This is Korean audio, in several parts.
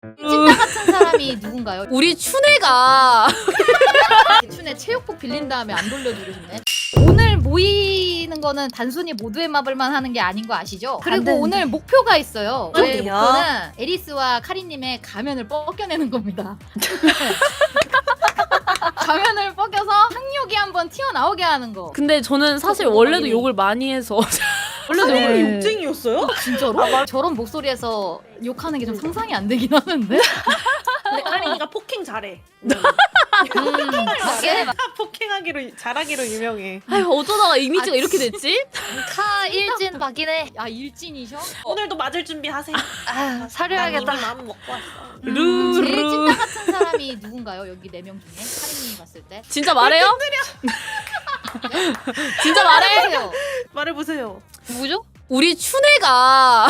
찐따 같은 사람이 누군가요? 우리 춘애가 춘에 체육복 빌린 다음에 안 돌려주고 싶네. 오늘 모이는 거는 단순히 모두의 마블만 하는 게 아닌 거 아시죠? 그리고 오늘 목표가 있어요. 저의 어디요? 목표는 에리스와 카리님의 가면을 벗겨내는 겁니다. 가면을 벗겨서 학욕이 한번 튀어나오게 하는 거. 근데 저는 사실 원래도 욕을 많이 해서 원래도 카린이 욕을 욕쟁이였어요? 진짜로? 저런 목소리에서 욕하는 게 좀 상상이 안 되긴 하는데. 근데 카린이가 폭행 잘해. 맞게 폭행하기로 잘하기로 유명해. 아유 어쩌다가 이미지가 이렇게 됐지? 카 일진 박이네. 야 일진이셔? 오늘도 맞을 준비하세요. 아, 난 사려야겠다. 이미 마음 먹고 왔어. 제일 루루 찐따 같은 사람이 누군가요? 여기 4명 중에 카리님이 봤을 때. 진짜 말해요? 진짜 말해? 말해보세요. 말해보세요. 누구죠? 우리 춘애가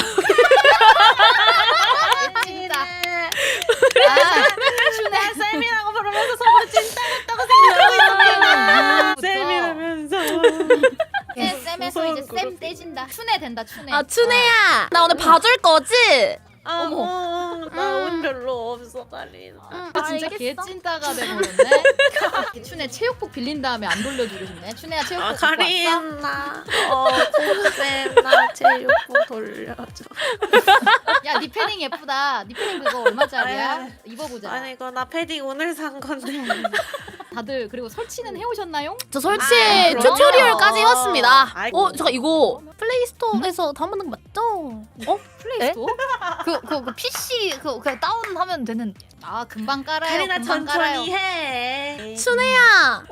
찐따. 아, 춘애 쌤이라고 부르면서 서로 찐따 같다고 생각하고 쌤이라면서. 쌤에서 이제 무서운 쌤 떼진다. 춘애 된다 춘애. 아 춘애야 나 오늘 봐줄 거지? 나 운 별로 없어, 카린. 아, 진짜 개찐따가 돼버렸네. 춘애 체육복 빌린 다음에 안 돌려주고 싶네. 춘애야 체육복 입고 왔어? 카린 나 쌤 나 제육복 돌려줘. 야, 네 패딩 예쁘다. 네 패딩 그거 얼마짜리야? 아유. 입어보자. 아니 이거 나 패딩 오늘 산 건데. 다들 그리고 설치는 해오셨나요? 저 설치 그럼요. 튜토리얼까지 해왔습니다. 아이고. 잠깐 이거 플레이스토어에서 다운받는 거 맞죠? 플레이스토어? 그 PC 그냥 다운하면 되는. 아, 금방 깔아요. 카린아 금방 천천히 깔아요. 해. 춘애야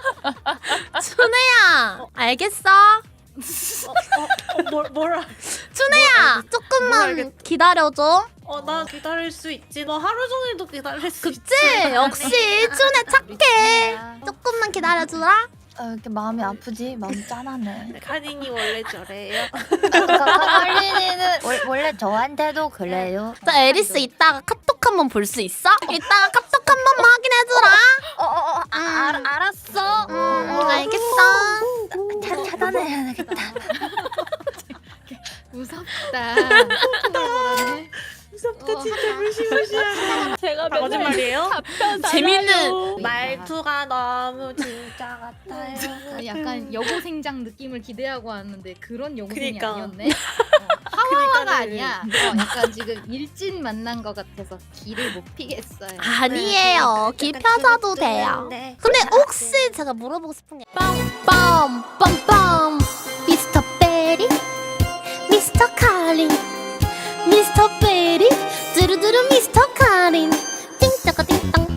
춘애야 알겠어? 뭐라? 춘애야 조금만 알겠- 기다려줘. 나 기다릴 수 있지. 너 하루 종일도 기다릴 수 있지. 그치? 역시 춘애 착해. 조금만 기다려주라. 이렇게 마음이 아프지? 마음 짠하네. 카린이 원래 저래요. 카린이는 원래 저한테도 그래요. 자 에리스 이따가 카톡 한번 볼 수 있어? 이따가 카톡 한번 확인해주라. 알았어. 알겠어. 차단해야 되겠다. 무섭다. 그러네. 무섭다 진짜 무시무시하다. 제가 다 거짓말이에요? 재밌는 말투가 너무 진짜 같아요. 약간 여고생장 느낌을 기대하고 왔는데 그런 여고생이 그니까. 아니었네. 하와가 그니까는. 아니야. 약간 지금 일진 만난 것 같아서 길을 못 피겠어요. 아니에요. 기 펴져도 돼요. 네. 근데 혹시 제가 물어보고 싶은 게 빰빰빰빰 미스터 베리 미스터 카린 미스터 베리 두루두루 미스터 카린 띵짜까 띵땅